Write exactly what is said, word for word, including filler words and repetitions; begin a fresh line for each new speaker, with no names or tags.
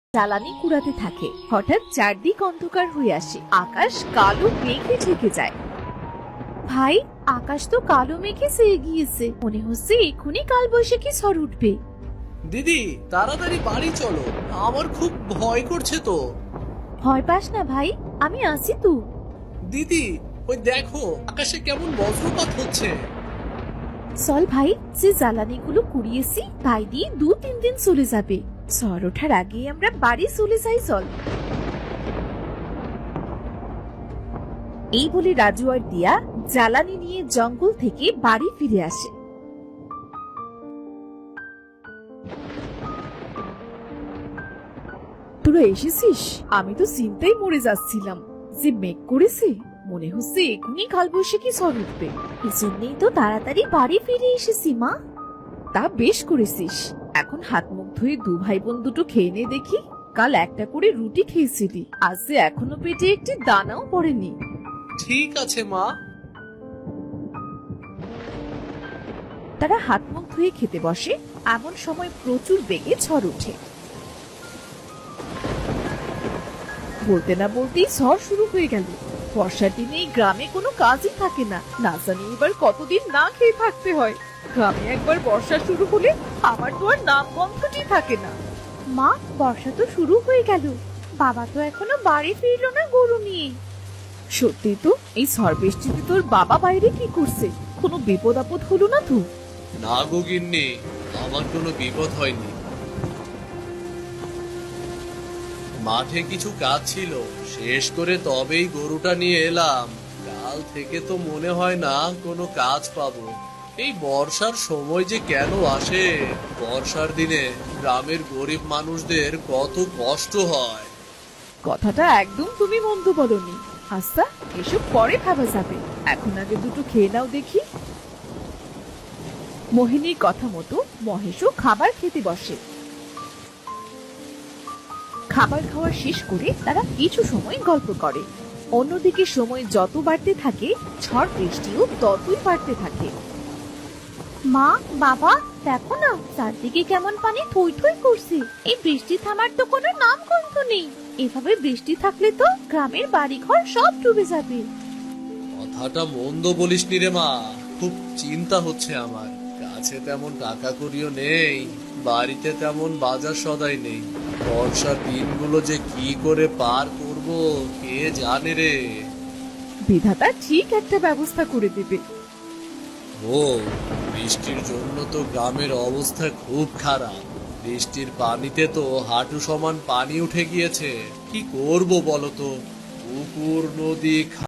জ্বালানি কুড়াতে থাকে। হঠাৎ চারদিক অন্ধকার হয়ে আসে, আকাশ কালো মেঘে ঢেকে যায়। ভাই, আকাশ তো কালো মেঘে ছেয়ে গিয়েছে, মনে হচ্ছে এক্ষুনি কাল বৈশাখী ঝড় উঠবে।
দিদি, তাড়াতাড়ি বাড়ি চলো, আমার খুব ভয় করছে তো।
ভয় পাস না ভাই, আমি আছি তো।
দিদি, ওই দেখো আকাশে কেমন বজ্রপাত হচ্ছে।
চল ভাই, যে জ্বালানিগুলো কুড়িয়েছি তাই দিয়ে দু তিন দিন চলে যাবে। ঝড় ওঠার আগে আমরা বাড়ি চলে যাই, চল। এই বলে রাজু আর দিয়া জ্বালানি নিয়ে জঙ্গল থেকে বাড়ি ফিরে আসে। তোরা এসেছিস? আমি তো চিন্তায় মরে যাচ্ছিলাম, যে মেঘ করেছে, মনে হচ্ছে এখনই কালবৈশাখী ঝড় উঠবে। এজন্যই তো তাড়াতাড়ি বাড়ি ফিরে এসেছি মা। তা বেশ করেছিস। এখন হাত মুখ ধুয়ে দু ভাই বোন দুটো খেয়ে নে দেখি। কাল একটা করে রুটি খেয়েছিলি, আজ যে এখনো পেটে একটি দানাও পড়েনি।
ঠিক আছে মা।
তারা হাত মুখ ধুয়ে খেতে বসে। এমন সময় প্রচুর বেগে ঝড় ওঠে। বলতে না বলতেই ঝড় শুরু হয়ে গেল। বর্ষার দিনে এই গ্রামে কোনো কাজই থাকে না, না জানি এবার কতদিন না খেয়ে থাকতে হয়। গ্রামে একবার বর্ষা শুরু হলে আমার তো আর নাম গন্ধটি থাকে না। মা, বর্ষা তো শুরু হয়ে গেল, বাবা তো এখনো বাড়ি ফিরলো না গরু নিয়ে। সত্যি তো, এই ঝড় বৃষ্টিতে তোর বাবা বাইরে কি করছে? কোনো বিপদ আপদ হলো না তো?
না গো গিন্নি, আমার কোনো বিপদ হয়নি। মাঠে কিছু কাজ ছিল, শেষ করে তবেই গরুটা নিয়ে এলাম। কাল থেকে তো মনে হয় না কোনো কাজ পাবো। এই বর্ষার সময় যে কেন আসে? বর্ষার দিনে গ্রামের গরিব মানুষদের কত কষ্ট হয়।
কথাটা একদম তুমি মন্দ বলনি। আচ্ছা, এসব পরে ভাবা যাবে, এখন আগে দুটো খেয়ে নাও দেখি। মোহিনীর কথা মতো মহেশও খাবার খেতে বসে। খাবার খাওয়া শেষ করে তারা কিছু সময় গল্প করে। অন্যদিকে সময় যত বাড়তে থাকে, ঝড় বৃষ্টিও ততই বাড়তে থাকে। মা, বাবা, দেখো না চারদিকে কেমন পানি থই থই করছে। এই বৃষ্টি থামার তো কোনো নাম গন্ধ নেই। এভাবে বৃষ্টি থাকলে তো গ্রামের বাড়িঘর সব ডুবে যাবে।
কথাটা মন্দ বলিসনি রে মা, খুব চিন্তা হচ্ছে আমার। কাছে তেমন টাকা কড়িও নেই, বাড়িতে তেমন বাজার সদাই নেই। বর্ষার দিনগুলো যে কি করে পার করব কে জানে রে।
বিধাতা ঠিক একটা ব্যবস্থা করে দেবে।
ও, বৃষ্টির জন্য তো গ্রামের অবস্থা খুব খারাপ। বৃষ্টির পানিতে তো হাঁটু সমান পানি উঠে গিয়েছে। কি করব বলতো? পুকুর, নদী,